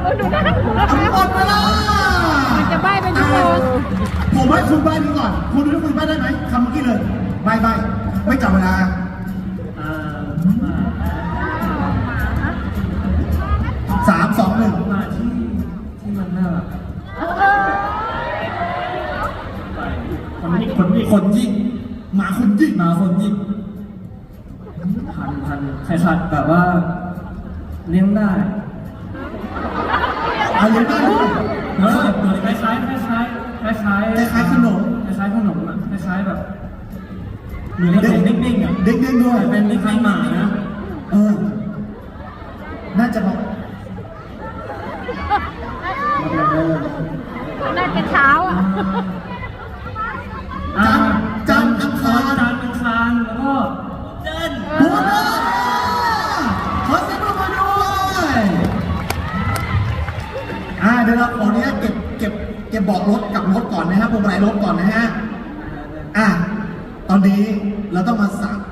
หมดเวลามันจะใบ้เป็นชั่วโมงผมให้คุณใบ้นี้ก่อนคุณรู้ว่าคุณใบ้ได้ไหมคำเมื่อกี้เลยใบ้ไม่จับเวลา3 2 1 มาที่มันน่ารักคนยิงหมาคนยิงพันใครขัดแบบว่าเลี้ยงได้เลี้ยงได้ด้วยตัวคล้ายขนมอ่ะคล้ายแบบเหมือนเด็กนิ่งๆอ่ะเด็กด้วยเป็นคล้ายหมานะน่าจะบอกน่าจะเช้าอ่ะจันทร์อังคารแล้วก็บัวนาขอเสียงปรบมือด้วยเดี๋ยวเราขออนุญาตเก็บเบาะรถกับรถก่อนนะครับพวงมาลัยรถก่อนนะฮะตอนนี้เราต้องมาสัก